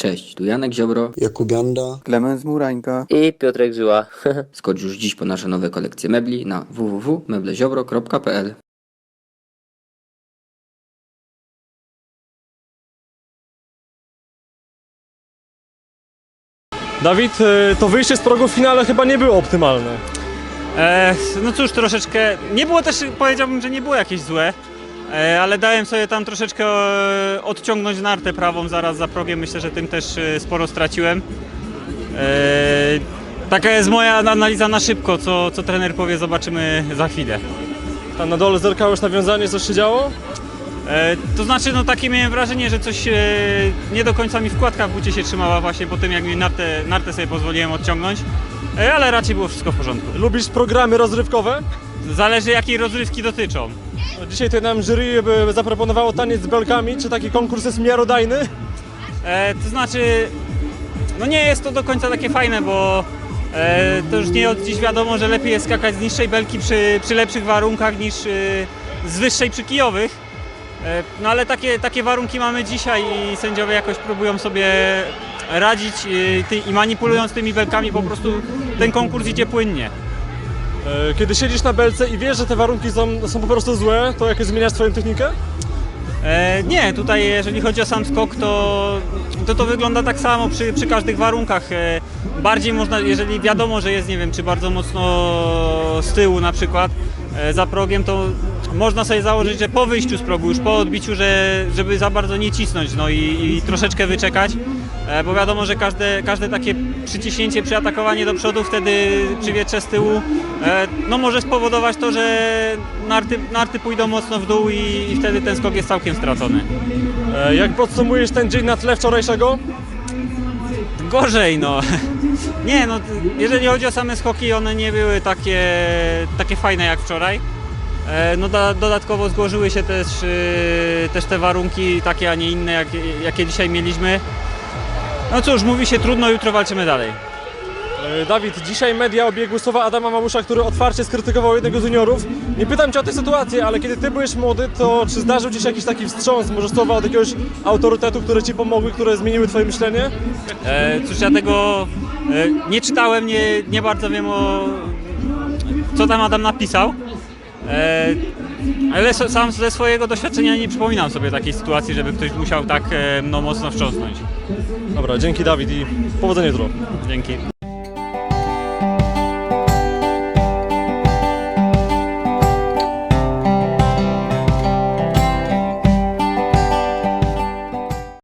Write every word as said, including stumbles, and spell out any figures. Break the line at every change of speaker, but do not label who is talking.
Cześć, tu Janek Ziobro,
Jakub Janda,
Klemens Murańka
I Piotrek Żyła.
skocz już dziś po nasze nowe kolekcje mebli na w w w kropka mebleziobro kropka p l.
Dawid, to wyjście z progu w finale chyba nie było optymalne.
E, no cóż, troszeczkę, nie było też, powiedziałbym, że nie było jakieś złe, e, ale dałem sobie tam troszeczkę e, odciągnąć nartę prawą zaraz za progiem, myślę, że tym też e, sporo straciłem. E, taka jest moja analiza na szybko, co, co trener powie, zobaczymy za chwilę.
Tam na dole zerkałeś nawiązanie, coś się działo?
E, to znaczy, no takie miałem wrażenie, że coś e, nie do końca mi wkładka w bucie się trzymała właśnie po tym, jak mi nartę, nartę sobie pozwoliłem odciągnąć, e, ale raczej było wszystko w porządku.
Lubisz programy rozrywkowe?
Zależy, jakiej rozrywki dotyczą.
No, dzisiaj tutaj nam jury by zaproponowało taniec z belkami. Czy taki konkurs jest miarodajny?
E, to znaczy, no nie jest to do końca takie fajne, bo e, to już nie od dziś wiadomo, że lepiej jest skakać z niższej belki przy, przy lepszych warunkach niż e, z wyższej przy kijowych. E, no ale takie, takie warunki mamy dzisiaj i sędziowie jakoś próbują sobie radzić e, ty, i manipulując tymi belkami po prostu ten konkurs idzie płynnie.
E, Kiedy siedzisz na belce i wiesz, że te warunki są, są po prostu złe, to jakoś zmieniasz twoją technikę?
E, nie, tutaj jeżeli chodzi o sam skok, to to, to wygląda tak samo przy, przy każdych warunkach. E, bardziej można, jeżeli wiadomo, że jest, nie wiem, czy bardzo mocno z tyłu na przykład, e, za progiem, to można sobie założyć, że po wyjściu z progu, już po odbiciu, że, żeby za bardzo nie cisnąć, no i, i troszeczkę wyczekać, e, bo wiadomo, że każde, każde takie przyciśnięcie, przyatakowanie do przodu, wtedy przy wietrze z tyłu, e, no może spowodować to, że narty, narty pójdą mocno w dół i, i wtedy ten skok jest całkiem stracony.
E, Jak podsumujesz ten dzień na tle wczorajszego?
Gorzej, no. Nie, no, jeżeli chodzi o same skoki, one nie były takie, takie fajne jak wczoraj. E, No da, dodatkowo złożyły się też, y, też te warunki takie, a nie inne, jak, jakie dzisiaj mieliśmy. No cóż, mówi się trudno, jutro walczymy dalej.
E, Dawid, dzisiaj media obiegły słowa Adama Mamusza, który otwarcie skrytykował jednego z juniorów. Nie pytam cię o tę sytuację, ale kiedy ty byłeś młody, to czy zdarzył ci się jakiś taki wstrząs, może słowa od jakiegoś autorytetu, które ci pomogły, które zmieniły twoje myślenie?
E, Cóż, ja tego e, nie czytałem, nie, nie bardzo wiem o co tam Adam napisał. E, ale so, sam ze swojego doświadczenia nie przypominam sobie takiej sytuacji, żeby ktoś musiał tak e, no, mocno wstrząsnąć.
Dobra, dzięki Dawid i powodzenia jutro.
Dzięki.